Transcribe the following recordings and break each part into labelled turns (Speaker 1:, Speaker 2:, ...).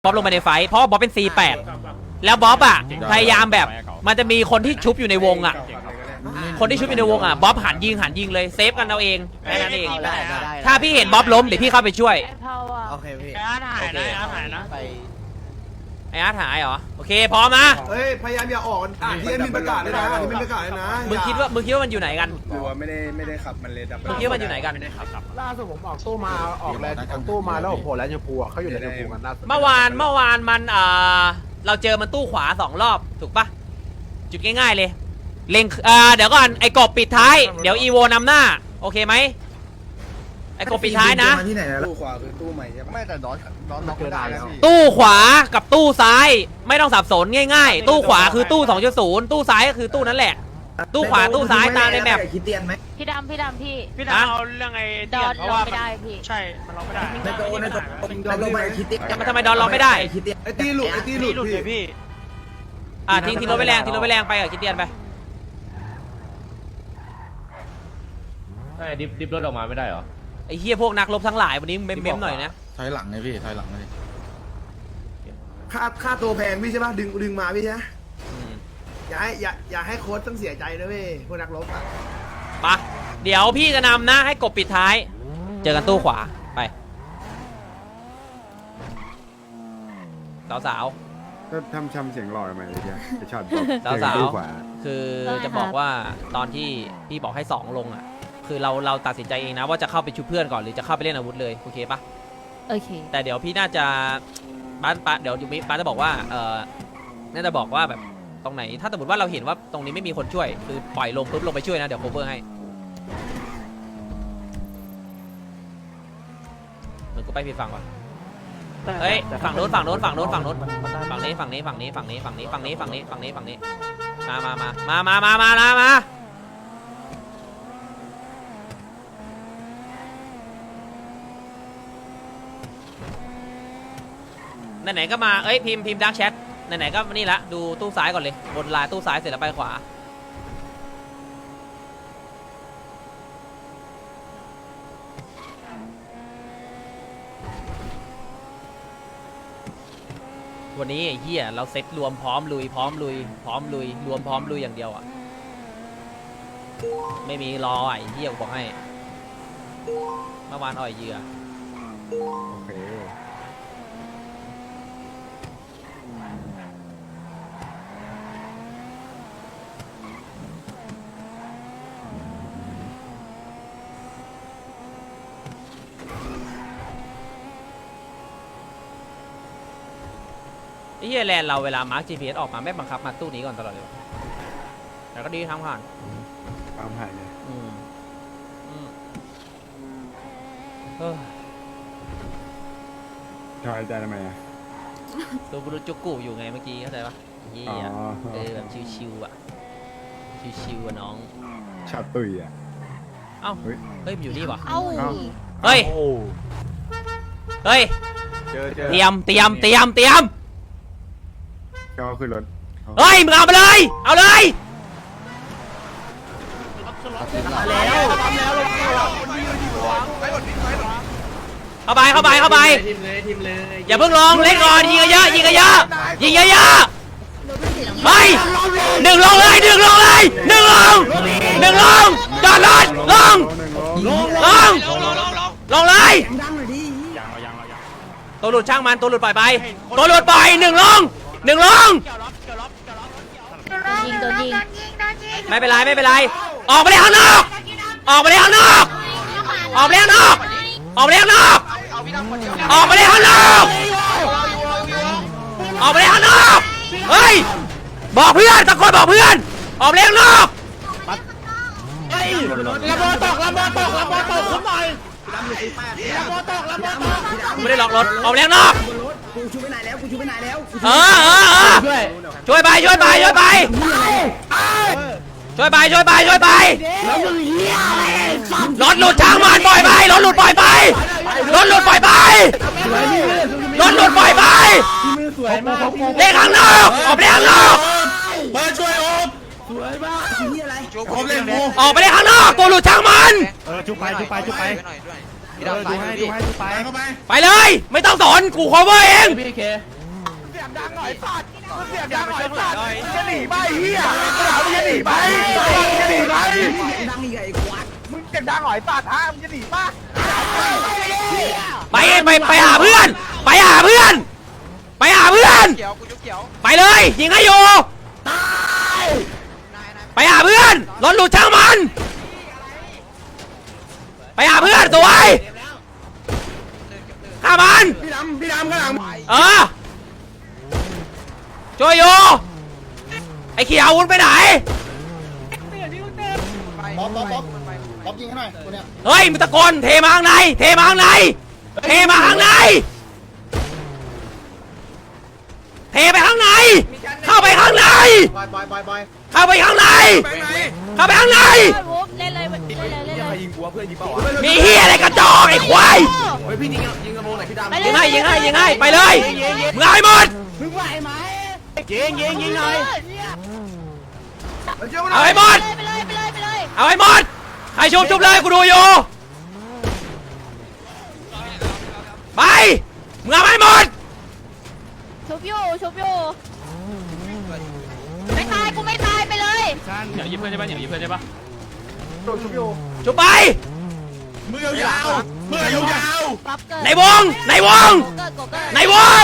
Speaker 1: บ๊อบลงไปในไฟเพราะบ๊อบเป็น C8 แล้วบ๊อบอ่ะพยายามแบบมันจะมีคนที่ชุบอยู่ในวงอ่ะคนที่ชุบอยู่ในวงอ่ะบ๊อบหันยิงเลยเซฟกันเอาเองแค่นั้นเองถ้าพี่เห็นบ๊อบล้มเดี๋ยวพี่เข้าไปช่วย
Speaker 2: โอเคพี่
Speaker 3: ไอ้อาร์ตหายนะไอ้อาร์ตหายนะ
Speaker 1: ไอ้อาร์ตหายเหรอโอเคพร้อมนะ
Speaker 4: เฮ้ยพยายามอย่าออกที่เอ็มมีประกาศเลยนะที่ไม่ประกาศเลยนะ
Speaker 1: มึงคิดว่ามันอยู่ไหนกัน
Speaker 5: หรือว่าไม่ได้ขับมันเลยดับ
Speaker 1: มึงคิดว่ามันอยู่ไหนกัน
Speaker 2: ล่าสุดผมออกตู้มาออกแล้วออกตู้มาแล้วผมโผล่แล้วชมพูเขาอยู่ในชมพูกันล่าสุด
Speaker 1: เมื่อวานมันเราเจอมันตู้ขวา2 รอบถูกปะจุดง่ายๆเลยเล็งเดี๋ยวก่อนไอ้กบปิดท้ายเดี๋ยวอีโวนำหน้าโอเคไหมไอ้กบปิดท้ายนะ
Speaker 5: ตู้ขวาคือตู้ใหม่ใช่ปะไม่แต่น้องล็อกไม่ได้แล้วพี่
Speaker 1: ตู้ขวากับตู้ซ้ายไม่ต้องสับสนง่ายๆตู้ขวาคือตู้ 2.0 ตู้ซ้ายก็คือตู้นั้นแหละตู้ขวาตู้ซ้ายตามในแมป
Speaker 6: คิดเตียนไหม
Speaker 3: พี่ดำพี่
Speaker 1: เอา
Speaker 3: เรื่องไอ้ดอนลงไม่ได้พี่ใช่มันลงไม่ได้
Speaker 6: ในตัวดอนลงไปคิดเตียน
Speaker 1: มันทำไมดอนเราไม่ได้
Speaker 4: ไอ้ตีหลุด
Speaker 3: พี่
Speaker 1: ทิ้งรถไปแรงไปกับคิดเตียนไป
Speaker 7: ใช่ดิฟรถออกมาไม่ได้เหรอ
Speaker 1: ไอ้เหี้ยพวกนักรบทั้งหลายวันนี้เม้มหน่อยนะ
Speaker 8: ถอยหลังไงพี่ถอยหลังเลย
Speaker 4: ค่าตัวแพงพี่ใช่ปะดึงมาพี่ใช่ไหมอย่าให้โค้ชต้องเสียใจนะเว้ยพวกนักรบอ่ะ
Speaker 1: ปะเดี๋ยวพี่จะนำนะให้กบปิดท้ายเจอกันตู้ขวาไปสาว
Speaker 5: ก็ทำเสียงหล่อไหมเลยจะช็อต
Speaker 1: สาวคือจะบอกว่าตอนที่พี่บอกให้2ลงอ่ะคือเราตัดสินใจเองนะว่าจะเข้าไปชุบเพื่อนก่อนหรือจะเข้าไปเล่นอาวุธเลยโอเคปะ
Speaker 3: โอเค
Speaker 1: แต่เดี๋ยวพี่น่าจะป้าเดี๋ยวยูมิป้าจะบอกว่าน่าจะบอกว่าแบบตรงไหนถ้าสมมติว่าเราเห็นว่าตรงนี้ไม่มีคนช่วยคือปล่อยลงปุ๊บลงไปช่วยนะเดี๋ยวโคเวอร์ให้เหมือนกูไปผิดฝั่งวะเฮ้ยฝั่งโน้นฝั่งนี้มาไหนๆก็มาเอ้ยพิมพ์ดักแชทไหนๆก็นี่ละดูตู้ซ้ายก่อนเลยบนลายตู้ซ้ายเสร็จแล้วไปขวาวันนี้ไอ้เหี้ยเราเซ็ตรวมพร้อมลุยรวมพร้อมลุยอย่างเดียวอ่ะไม่มีรอไอ้เหี้ยบอกให้เมื่อวานอ่อยเหยื่อ
Speaker 5: โอเค
Speaker 1: ไอ้เหี้ยแลนเราเวลามาร์ค GPS ออกมาไม่บังคับมาตู้นี้ก่อนตลอดเลยแต่ก็ดีทำผ่าน
Speaker 5: เลยถอยใจทำไมอ่ะ
Speaker 1: ตัวบุรุษจุกกูอยู่ไงเมื่อกี้เข้าใจปะเหี้ยแบบชิวๆอ่ะชิวๆอ่ะน้อง
Speaker 5: ชอบตุยอ่ะ
Speaker 1: เอ้าเฮ้ยมันอยู่นี่วะ
Speaker 3: เฮ้ย
Speaker 1: เตรียม
Speaker 5: ก็ขึ้นรถ
Speaker 1: เฮ้ยมึงเอาไปเลยเข้าไปอย่าเพิ่งลงเล่นก่อนยิงเยอะเฮ้ยหนึ่งลงเลยจอดรถลงเลยตัวหลุดช่างมันตัวหลุดปล่อยไปหนึ่งลง
Speaker 3: ยิงโดนยิง
Speaker 1: ไม่เป็นไรออกไปเลยข้างนอกเฮ้ยบอกเพื่อนตะโกนบอกเพื่อนออกไปข้างนอก
Speaker 3: ระเบิดตกคุ้มหน่อย
Speaker 1: ไม่ได้ล็อกรถออกไปข้างนอก
Speaker 6: กูชูไปไหนแล้ว
Speaker 1: ช่วยไปรถหลุดช่างมันปล่อยไปรถหลุดปล่อยไปเล่นข้างนอกออกไปข้างนอก
Speaker 5: มาช่วยโอ๊บ
Speaker 6: สวยมากที่อะไร
Speaker 5: ผมเล่นโม
Speaker 1: ออกไปได้ข้างนอกตัวหลุดช่างมัน
Speaker 2: จุไป
Speaker 5: ดูให้ไปเข้าไป
Speaker 1: ไปเลยไม่ต้องสอนกู cover เอง
Speaker 7: พี่เค
Speaker 5: เสียงดังหน่อยสัตว์เสียงดังหน่อยสัตว์จะหนีไปเฮียมึงจะหนีไปจะหนีไป
Speaker 6: ดังอีกไอ้ควัก
Speaker 5: มึงเสียงดังหน่อยสัตว์ฮะมึงจะหนีป่ะ
Speaker 1: ไปหาเพื่อนไปหาเพื่อนไปหาเพื่อน
Speaker 5: เขียวกูยุกเขียว
Speaker 1: ไปเลยยิงให้อยู่ไปหาเพื่อนรถหลุดช่างมันไปหาเพื่อนสวยฆ่ามัน
Speaker 4: พี่ดำข้างหลัง
Speaker 1: ช่วยอยู่ไอ้เขียววุ้นไปไหน
Speaker 5: บ๊อบยิงให้หน่อยตัวเนี้ย
Speaker 1: เฮ้ยมึงตะโกนเทมาข้างในเทมาข้างในเทมาข้างในเทไปข้างในเข้าไปข้างใน
Speaker 2: บอย
Speaker 1: เข้าไปข้างในเข้าไปข้างใน
Speaker 3: เล่นเลยเล่นเลย
Speaker 2: ยิงหัวเพื่อนยิงเปล่าวะ
Speaker 1: มีเฮียอะไรกระจอกไอ้ควาย
Speaker 2: เฮ้ยพี่ยิงกระโมงไหนพี่ดำ
Speaker 1: ยิงให้ไปเลยมึงเอาให้หมด
Speaker 3: มึงไหวไหม
Speaker 5: ยิงหน่อย
Speaker 1: เอาให้หมด
Speaker 3: ไปเลย
Speaker 1: เอาให้หมดใครชุบเลยกูดูอยู่ไปมึงเอาให้หมด
Speaker 3: ชุบอยู่ไม่ตายกูไม่ตายไปเลย
Speaker 7: อย่ายิงเพื่อนใช่ปะอย่ายิงเพื่อนใช่ปะ
Speaker 2: โดนชุบอยู่
Speaker 1: ชุบไป
Speaker 5: มือยาวมือยาว
Speaker 3: ปั๊บเกิด
Speaker 1: ในวง
Speaker 3: โกเกิด
Speaker 1: ในวง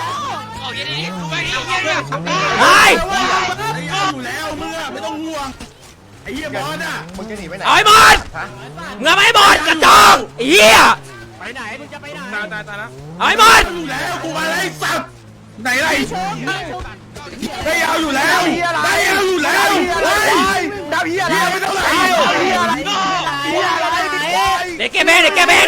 Speaker 1: ไป
Speaker 5: อยู่แล้วมือไม่ต้องห่วงไอ้เหี้ยบอสอ่ะมึงจะหนีไปไหน
Speaker 1: เอาให้หมดมึงเอาให้หมดกระจอกไอ้เหี้ย
Speaker 5: ไปไหนมึงจะไปไหนตายแล้ว
Speaker 1: เอาให้หมด
Speaker 5: อยู่แล้วกูมาไล่สับไหนไร
Speaker 3: ชุบ
Speaker 5: ได้ยาวอยู่แล้วได้ยาวอยู่แล้วดาวเฮียอะไรไม่ต้องไหนเฮียอะไรเฮียอะไร
Speaker 1: เด็กแกแบง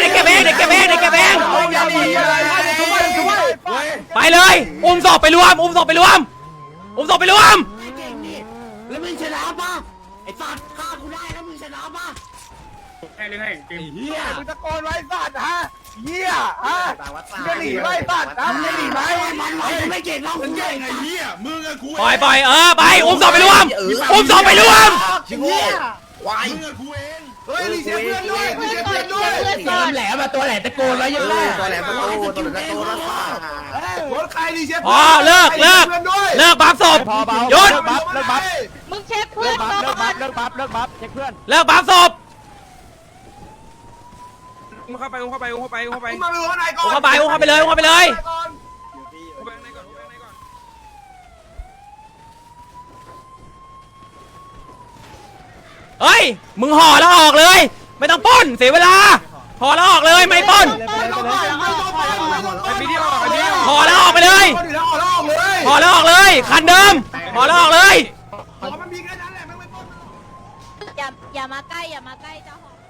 Speaker 1: ไปเลยอุ้มศพไปรวม
Speaker 6: แล้วมึงชนะป่ะไอ้สัตว์ฆ่ากูได้แล้วมึงชนะป่ะ
Speaker 5: เฮียมึงตะโกนไว้สัตว์ฮะเฮียฮะจะหนีไว้สัตว์มึงจะหนีไหมมันไม่เก่งเรามึงเก่งไอ้เฮียมึงอะกู
Speaker 1: ปล่อยไปไปอุ้มศพไปรวม
Speaker 5: ชิงเฮียวายมึงอะกูเองเฮ้ยรีเซ็ตเพื่อนด้วยรีเซ็ตเพื่อนด้วย
Speaker 6: แหลมมาตัวแหลมตะโกนไว้ยังไง
Speaker 2: ตัวแหลมประตูตัวแหลมประตูนะ
Speaker 5: รถใครรีเซ็ต
Speaker 1: พอเลิกบัฟศพหยุด
Speaker 3: มึงเช็คเพื่อนก่อน
Speaker 1: เลิกบัฟศพ
Speaker 2: เข้าไปเข้าไป
Speaker 5: มาดูข้างในก่อน
Speaker 1: อุ้มเข้าไปเลย เฮ้ยมึงห่อแล้วออกเลย ไม่ต้องปล้นเสียเวลาห่อแล้วออกเลยไม่ปล้นห่อแล้วออกไปเลยห่อแล้วออกเลยคันเดิมห่อแล้วออกเลย
Speaker 5: มันมีแค่นั้นแหละไม่ป้อง
Speaker 3: อย่ามาใกล้เจ้าของ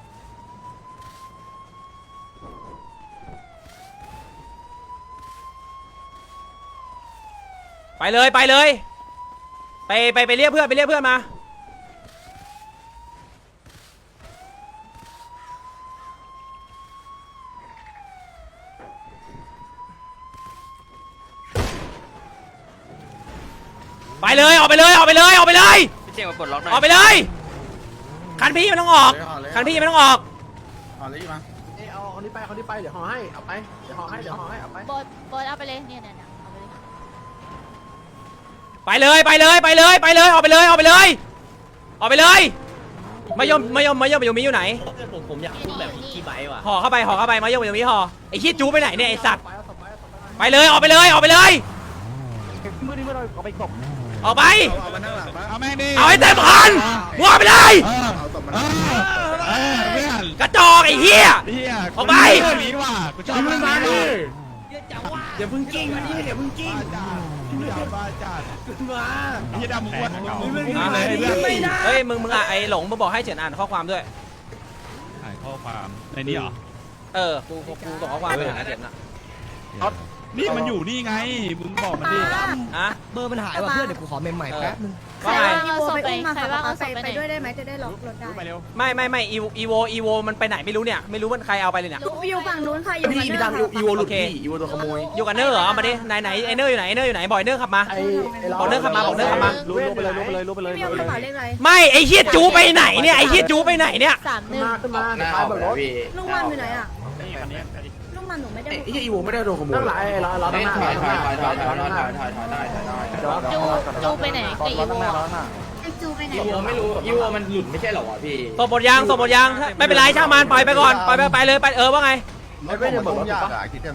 Speaker 1: ไปเลยไปเรียกเพื่อนมาไปเลยออกไปเลย
Speaker 7: พี่เจมาปลดล็อกหน่อย
Speaker 1: ออกไปเลยคันพี่ไม่ต้องออกคันพี่ไม่ต้องออก
Speaker 5: อ๋อเลยมา
Speaker 2: เอาคนนี้ไปเดี๋ยวห่อให้เอาไปเดี๋ยวห่อให้เอาไป
Speaker 3: บอสเอาไปเลยเนี่ยเอาไปเลย
Speaker 1: ไปเลยออกไปเลยมายมมีอยู่ไหน
Speaker 7: ผมอยากพูดแบบกี่ใบว่ะ
Speaker 1: ห่อเข้าไปมายมมีห่อไอ้ขี้จูไปไหนเนี่ยไอ้สัตว์ไปเลยออกไปเลยออกไป
Speaker 5: เอามานั่งหลังปะเอาแม่งดิ
Speaker 1: เอาให้เต็มคันมึงออกไปเลย
Speaker 5: เอาตบมัน
Speaker 1: กระจอกไอ้เหี้ย ออกไป
Speaker 5: หนีว่ะกูชอบมันมาดิอย่าเพิ่งกิ้งมันนี่อย่าเพิ่งกิ้งบ้าจัดมาไอ้ดำมึงวะ
Speaker 1: เฮ้ยมึงอ่ะไอ้หลงมึงบอกให้เฉินอ่านข้อความด้วย
Speaker 7: อ่านข้อความในนี้เหรอ
Speaker 1: กูส่งข้อความไปหาเฉินอ่ะ
Speaker 8: นี่มันอยู่นี่ไงมึงบอกมันดิ
Speaker 1: อะ
Speaker 6: เบอร์มันหายว่ะเพื่อนเดี๋ยวกูขอเมมใหม่แป๊บนึง
Speaker 1: ว่าไง
Speaker 3: เอาศพไปใครว่าเอาศพไปไหน
Speaker 9: ด้วยได้ไหมจะได้ล็อกรถได้
Speaker 8: ไปเร็ว
Speaker 1: ไม่อีโวมันไปไหนไม่รู้เนี่ยไม่รู้มันใครเอาไปเลยเนี่ย
Speaker 9: อยู่ฝั่งนู้นค่ะอยู่
Speaker 4: พี่
Speaker 9: ฝั่ง
Speaker 4: พี่
Speaker 9: นู้น
Speaker 4: ดำอีโวหลุดพี่อีโวตัวขโมย
Speaker 1: อยู่กับเนอร์เหรอมาดิไหนไอเนอร์อยู่ไหนไอเนอร์อยู่ไหนบอยเนอร์ขับมา บอกเนอร์ขับมาบอกเนอร์ขับมา
Speaker 2: รู้ไปเลยรู้ไปเลยรู้ไปเลย
Speaker 9: พี่เอากระเป๋าเลขอะไร
Speaker 1: ไม่ไอเฮียจูไปไหนเนี่ยไอเฮียจูไปไหนเนี่ย
Speaker 2: ขึ้นมาท้ายบนรถ
Speaker 9: ลูกมันอยู่ไหนอ่ะลูกมันหนูไม่ได้
Speaker 4: ไอ้อีโวไม่ได้โดนขโมย
Speaker 2: นั่งหลังเราตั้งหน้า
Speaker 3: จูไปไหนกับอีโว
Speaker 9: ไอจูไปไหน
Speaker 6: ไม่รู้อีวัวมันหลุดไม่ใช่หรอวะพี่
Speaker 1: ส่งหมดยางไม่เป็นไรช่างมันปล่อยไปก่อนปล่อยไปเลยไปว่าไง
Speaker 2: ไม่เป็นจะเบิกรถปะ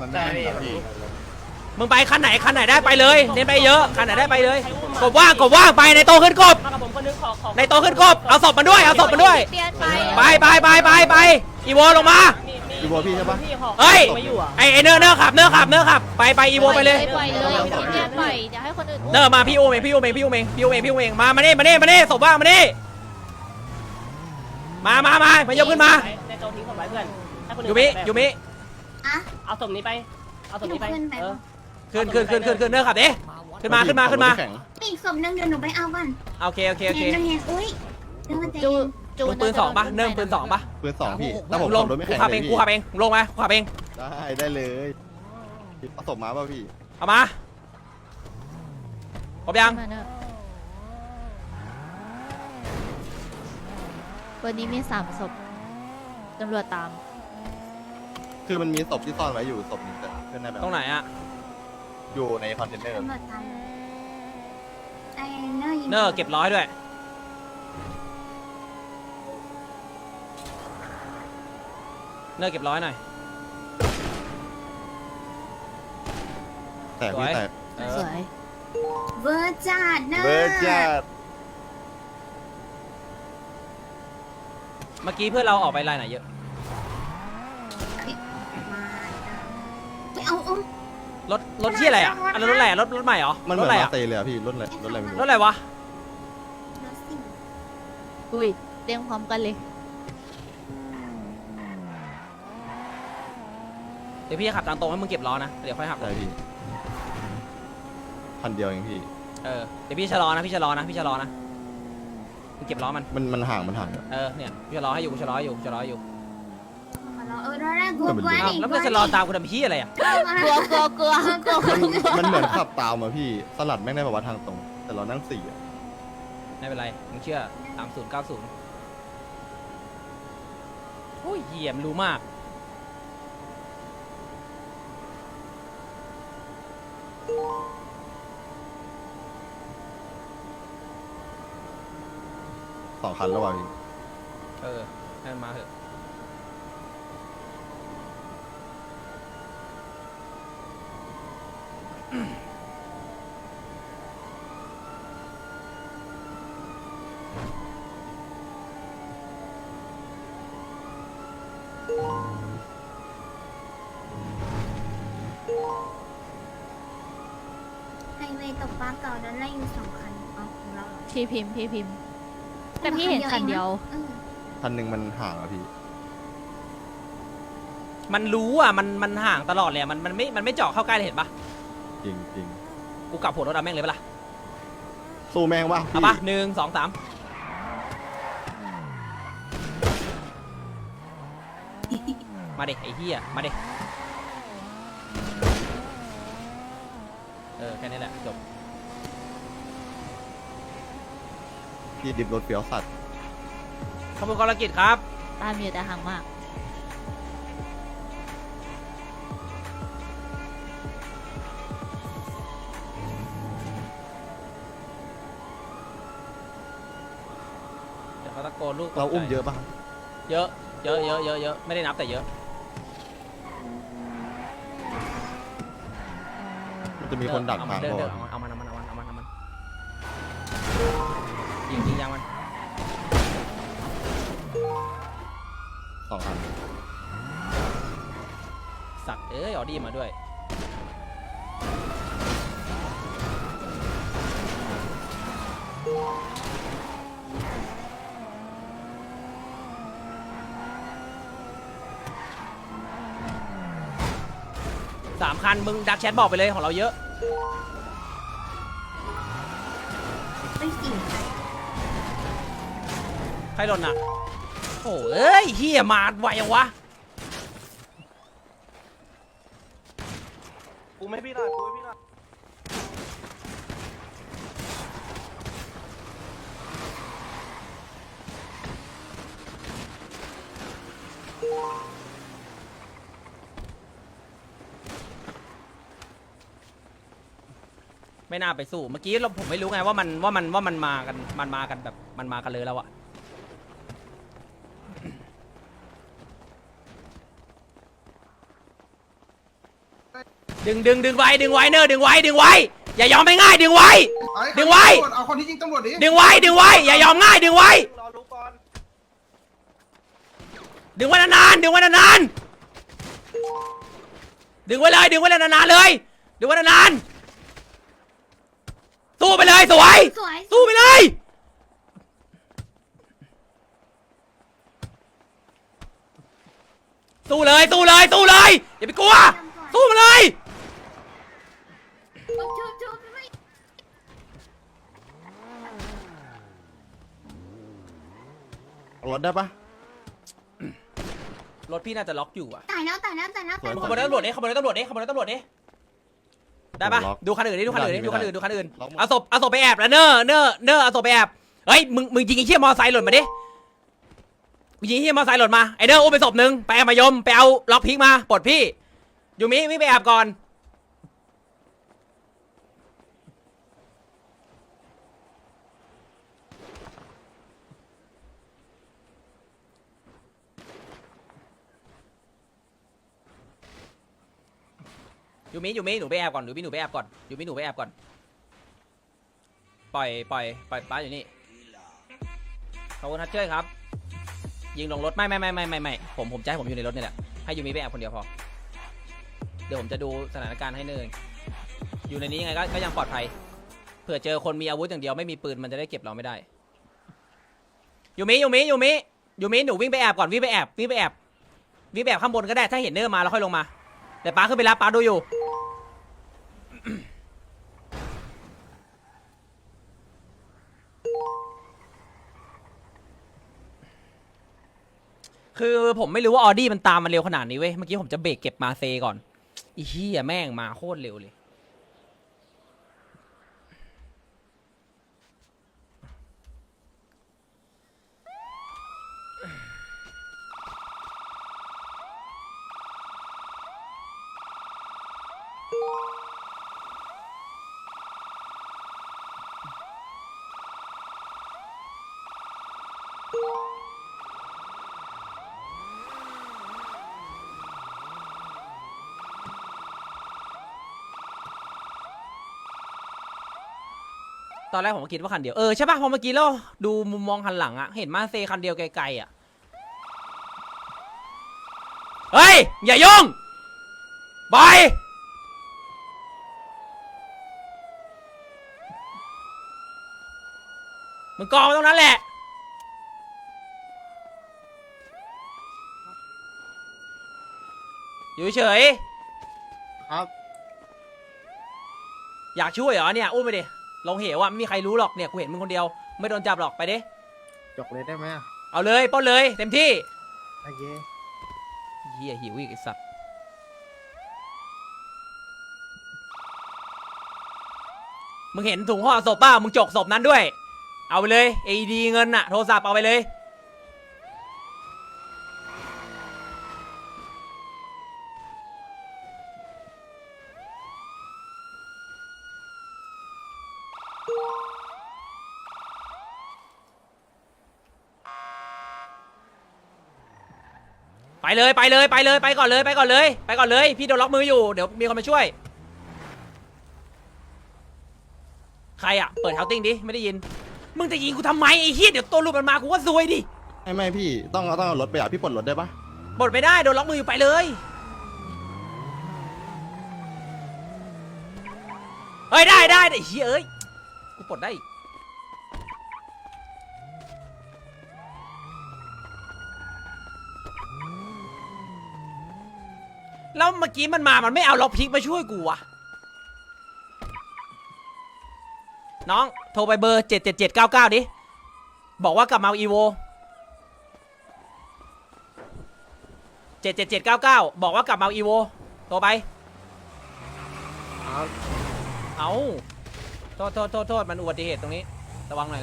Speaker 1: มึงไปคันไหนได้ไปเลยเน้นไปเยอะคันไหนได้ไปเลยกบว่างไปในโตขึ้นกบในโตขึ้นกบเอาศพมันด้วย
Speaker 3: เปลี่ยน
Speaker 1: ไปอีโวลงมา
Speaker 2: อีโวพี่ใช่ปะ
Speaker 1: เฮ้ยไอเนอร์ขับไปอีโวไปเลย
Speaker 3: ปล่อยเลยเปลี่ยนปล่อยเดี๋ยวให้คนอื่น
Speaker 1: เนอร์มาพี่โอเมงมานี่ศพว่างมานี่มายกขึ้นมา
Speaker 6: ในโจทิ้งศพไว้เพื่อน
Speaker 1: ยูมิ
Speaker 6: เอาศพนี้ไปเอาศพนี้ไปเออ
Speaker 1: ขึ้นเนอร์ขับดิขึ้นมา
Speaker 9: อีกศพนึงเดี๋ยวหนูไปเอาก่อน
Speaker 1: โอเค
Speaker 9: เห็นอุ้ยเดี๋ยวมันจะ
Speaker 3: จู
Speaker 1: มึงปืน2ปะเนิ่มปืน2ปะ
Speaker 2: ปืน2พี่ถ้าผม
Speaker 1: ลง
Speaker 2: ขับรถไม่
Speaker 1: กู
Speaker 2: แข็ง
Speaker 1: ขับเอง
Speaker 2: เลย
Speaker 1: กูขับเองลงมากูขับเอง
Speaker 2: ได้เลยผสมมาป่ะพี่
Speaker 1: เอามาครบยัง
Speaker 3: วันนี้มี3ศพตำรวจตาม
Speaker 2: คือมันมีศพที่ซ่อนไว้อยู่ศพนึงแต่เพื่อนได้แบบ
Speaker 1: ตรงไหนอะ
Speaker 2: อยู่ในคอนเทนเนอร์
Speaker 9: ตำรวจตามไอเนอร์ยิง
Speaker 1: เนอร์เก็บ100ด้วยเนอร์เก็บ100หน่อย
Speaker 2: แต่พี่แต่
Speaker 3: สวย
Speaker 9: เวอร์จัดเนอร์
Speaker 2: เบิร์ดจัด
Speaker 1: เมื่อกี้เพื่อนเราออกไปไลน์ไหนเยอะ
Speaker 9: ไปเอา
Speaker 1: รถที่อะไรอะอันนั้นรถอะไรอะรถใหม่เหรอ
Speaker 2: มันเห
Speaker 1: ร
Speaker 2: มื
Speaker 1: ถ
Speaker 2: อน
Speaker 1: อะไร
Speaker 2: มา
Speaker 1: อะ
Speaker 2: เตยเลยอะพี่รถอะไรไม่รู้
Speaker 1: รถอะไรวะ
Speaker 9: รถสิง
Speaker 3: อุ้ยเรียงพร้อมกันเลย
Speaker 1: เดี๋ยวพี่จะขับทางตรงให้มึงเก็บล้อนะเดี๋ยวค่อยหัก
Speaker 2: ใช่พี่พันเดียวเองพี่
Speaker 1: เดี๋ยวพี่ชะลอนะมึงเก็บล้อมัน
Speaker 2: มันห่าง
Speaker 1: เนี่ยพี่ชะลอให้อยู่ชะลออยู่
Speaker 9: รถแรกกลัว
Speaker 1: อ้าวแล้วมึงจะชะลอตามกูทำพี่อะไรอะ
Speaker 3: กลัว
Speaker 2: มันเหมือนขับตามอะพี่สลัดแม่งได้แบบว่าทางตรง แต่เรานั่ง4อะ
Speaker 1: ไม่เป็นไรมึงเชื่อ3090โอ้ยเหี้ยมนรู้มาก
Speaker 2: 2 คันแล้วว่ะพี่
Speaker 1: ให้มันมาเถอะ
Speaker 9: ไฮเวย์ตกปลาเก่านั้นไล่อยู่2 คันเอาของเรา
Speaker 3: พี่พิมพ์แต่พี่เห็นคันเดียว
Speaker 2: คันหนึ่งมันห่างอะพี่
Speaker 1: มันรู้อ่ะมันห่างตลอดเลยอะมันไม่เจาะเข้าใกล้เลยเห็นปะ
Speaker 2: จริง
Speaker 1: กูกลับหัวรถเอาแม่งเลยปะล่ะ
Speaker 2: สู้แม่งว่ะ
Speaker 1: เอาปะ1 2 3มาดิไอ้เหี้ยมาดิแค่นี้แหละจบ
Speaker 2: พี่ดิบรถเฟี้ยวสัตว์
Speaker 1: ขอบคุณกรกิจครับ
Speaker 3: ตามอยู่แต่ห่างมาก
Speaker 1: เดี๋ยวเขาตะโกนลูก
Speaker 2: เราอุ้มเยอะป่ะ
Speaker 1: เยอะไม่ได้นับแต่เยอะ
Speaker 2: มันจะมีคนดักทาง
Speaker 1: เดิน
Speaker 2: ก่อน
Speaker 1: เอามันยิงยางมัน
Speaker 2: 2 คัน
Speaker 1: สัตว์ออดี้มาด้วย 3 คันมึงดักแชทบอกไปเลยของเราเยอะ
Speaker 9: ไม่4 คัน
Speaker 1: ใครหล่นอ่ะโอ้เอ้ยเฮียมาไวยังวะ
Speaker 5: กูไม่พี่หน่อยกูไม่พี่หน่อย
Speaker 1: ไม่น่าไปสู้เมื่อกี้ผมไม่รู้ไงว่ามันมากันแบบมันมากันเลยแล้วอะดึงไว้เนอดึงไว้อย่ายอมไม่ง่ายดึงไว้
Speaker 2: เอาคนที่ยิงตำรวจดิ
Speaker 1: ดึงไว้อย่ายอมง่ายดึงไว้
Speaker 5: รอรู้ก่อน
Speaker 1: ดึงไว้นานๆดึงไว้นานๆดึงไว้เลยดึงไว้นานๆเลยดึงไว้นานๆสู้ไปเลยสวย
Speaker 9: สวย
Speaker 1: สู้ไปเลยสู้เลยอย่าไปกลัวสู้มาเลย
Speaker 9: ชุบไม่
Speaker 7: รถได้ปะ
Speaker 1: รถพี่น่าจะล็อกอยู่อะ
Speaker 9: ตายแล้ว
Speaker 1: ขบวนตำรวจดิได้ปะดูคันอื่นเอาศพไปแอบแล้วเนอเอาศพไปแอบเฮ้ยมึงยิงไอ้เหี้ยมอไซค์หล่นมาดิมึงยิงไอ้เหี้ยมอไซค์หล่นมาไอเด้ออุ้มไปศพนึงไปแอบมายมไปเอาล็อกพิกมาปลดพี่อยู่มิไปแอบก่อนอยู่มิหนูไปแอบก่อนหนูไปแอบก่อนปล่อยป้าอยู่นี่ขอบคุณทัชเชอร์ครับยิงลงรถไม่ผมจะให้ผมอยู่ในรถนี่แหละให้ยูมิไปแอบคนเดียวพอเดี๋ยวผมจะดูสถานการณ์ให้เนินอยู่ในนี้ยังไงก็ยังปลอดภัยเผื่อเจอคนมีอาวุธอย่างเดียวไม่มีปืนมันจะได้เก็บเราไม่ได้ยูมิหนูวิ่งไปแอบก่อนวิ่งไปแอบข้างบนก็ได้ถ้าเห็นเนอร์มาแล้วค่อยลงมาแต่ป้าขึ้นไปรับป้าดูอยู่คือผมไม่รู้ว่าออดี้มันตามมาเร็วขนาดนี้เว้ยเมื่อกี้ผมจะเบรกเก็บมาเซก่อนอีเหี้ยแม่งมาโคตรเร็วเลยตอนแรกผมก็คิดว่าคันเดียวใช่ป่ะพอเมื่อกี้เราดูมุมมองคันหลังอะเห็นมาเซคันเดียวไกลๆอะเฮ้ยอย่ายุ่งบอยมึงกองตรงนั้นแหละอยู่เฉย
Speaker 7: ครับ
Speaker 1: อยากช่วยเหรอเนี่ยอุ้มไปดิลงเหวอ่ะไม่มีใครรู้หรอกเนี่ยกูเห็นมึงคนเดียวไม่โดนจับหรอกไปดิ
Speaker 2: จกเลยได้ไหม
Speaker 1: เอาเลยป้อนเลยเต็มที่
Speaker 2: โอเค
Speaker 1: เฮียหิวอีกไอสัตว์มึงเห็นถุงห่อศพป่ะมึงจกศพนั้นด้วยเอาไปเลยAEDเงินอะโทรศัพท์เอาไปเลยไปก่อนเลยพี่โดนล็อกมืออยู่เดี๋ยวมีคนมาช่วยใครอะเปิดเฮาติ้งดิไม่ได้ยินมึงจะยิงกูทำไมไอ้เหี้ยเดี๋ยวตัวรูปมันมากูก็ซวยดิ
Speaker 7: ไม่พี่ต้องเอารถไปอ่ะพี่ปลดรถได้ปะ
Speaker 1: บดไม่ได้โดนล็อกมืออยู่ไปเลยเฮ้ยได้ไอ้เหี้ยเอ้ยกูปลดได้แล้วเมื่อกี้มันมามันไม่เอาล็อกพิกมาช่วยกูอะน้องโทรไปเบอร์77799ดิบอกว่ากลับมาเอาอีโว77799บอกว่ากลับมาเอาอีโวโทรไปเอาโทษมันอุบัติเหตุตรงนี้ระวังหน่อย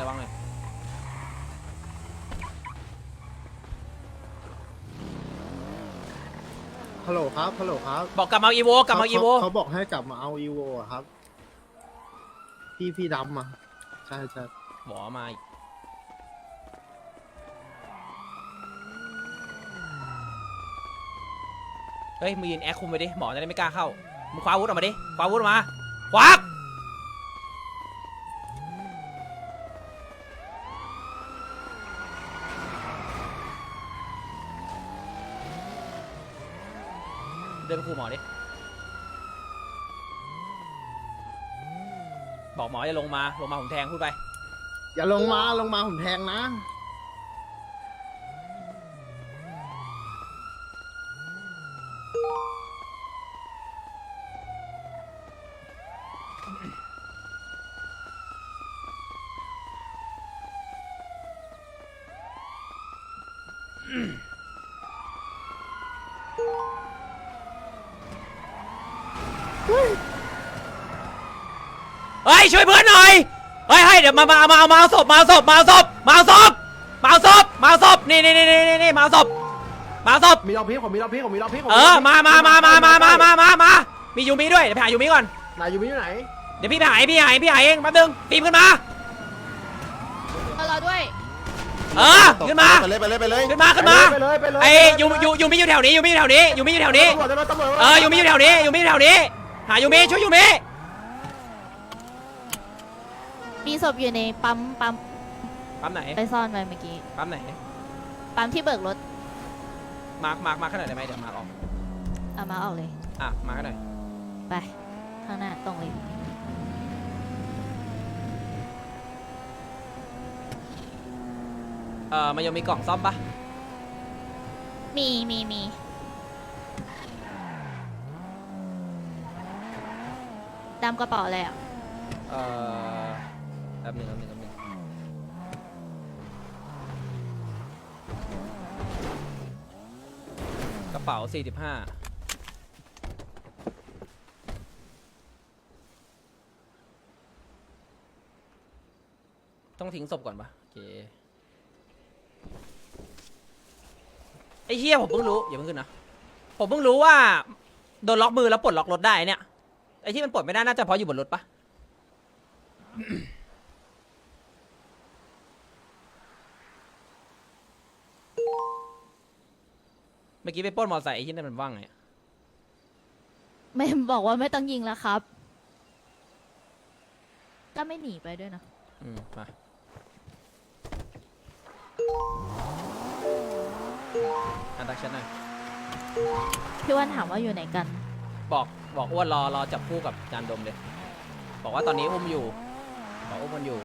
Speaker 2: ฮัลโหลครับฮัลโหลครับ
Speaker 1: บอกกลับมาเอาอีโว
Speaker 2: เขาบอกให้กลับมาเอาอีโวครับพี่ดำมาใช่
Speaker 1: หมอมาอีกเฮ้ยมึงยืนแอคคุมไปดิหมอจะได้ไม่กล้าเข้ามึงคว้าอาวุธออกมาดิคว้าอาวุธออกมาควักเดินไปคุมหมอดิบอกหมอจะลงมาผมแทงพูดไป
Speaker 2: อย่าลงมาผมแทงนะ
Speaker 1: เฮ้ยช่วยเพื่อนหน่อยเฮ้ยเดี๋ยวมาเอาศพนี่มาเอาศพมาเอาศพ
Speaker 2: มีเราพีผมมีเราพีผมมีเราพี
Speaker 1: มามียูมิด้วยเดี๋ยวไปหายูมิก่อน
Speaker 2: นายยูมิอยู่ไหน
Speaker 1: เดี๋ยวพี่ไปหาเองแป๊บนึงฟิล์มขึ้นมา
Speaker 3: เราด้วย
Speaker 1: ขึ้นมา
Speaker 2: ไปเลย
Speaker 1: ขึ้นมาไอ้ยูมิอยู่แถวนี้ยูมิอยู่แถวนี้ยูมิอยู่แถวนี้หายูมิช่วยยูมิ
Speaker 3: มีศพอยู่ในปั๊ม
Speaker 1: ไหน
Speaker 3: ไปซ่อนไว้เมื่อกี้
Speaker 1: ปั๊มไหน
Speaker 3: ปั๊มที่เบิกรถ
Speaker 1: มาขนาดได้ไหมเดี๋ยวมาออก
Speaker 3: เอามาออกเลย
Speaker 1: มาขนาด
Speaker 3: ไปข้างหน้าตรงเลย
Speaker 1: มันยังมีกล่องซ่อมปะ
Speaker 3: มีดำกระเป๋าอะไรอ่ะ
Speaker 1: แป๊บนึงกระเป๋า45ต้องทิ้งศพก่อนปะโอเคไอ้เฮียผมเพิ่งรู้อย่าเพิ่งขึ้นนะผมเพิ่งรู้ว่าโดนล็อกมือแล้วปลดล็อกรถได้เนี่ยไอ้ที่มันปลดไม่ได้น่าจะเพราะอยู่บนรถปะ เมื่อกี้ไปปล้นมอเตอร์ไซค์ไอ้ที่นั่นมันว่างไง
Speaker 3: ไม่บอกว่าไม่ต้องยิงแล้วครับ ก็ไม่หนีไปด้วยนะ
Speaker 1: มาดักฉันหน่อย
Speaker 3: พี่วันถามว่าอยู่ไหนกัน
Speaker 1: บอกอ้วนรอจับคู่กับจานดมเลยบอกว่าตอนนี้อุ้มอยู่บอกอุ้มมันอยู่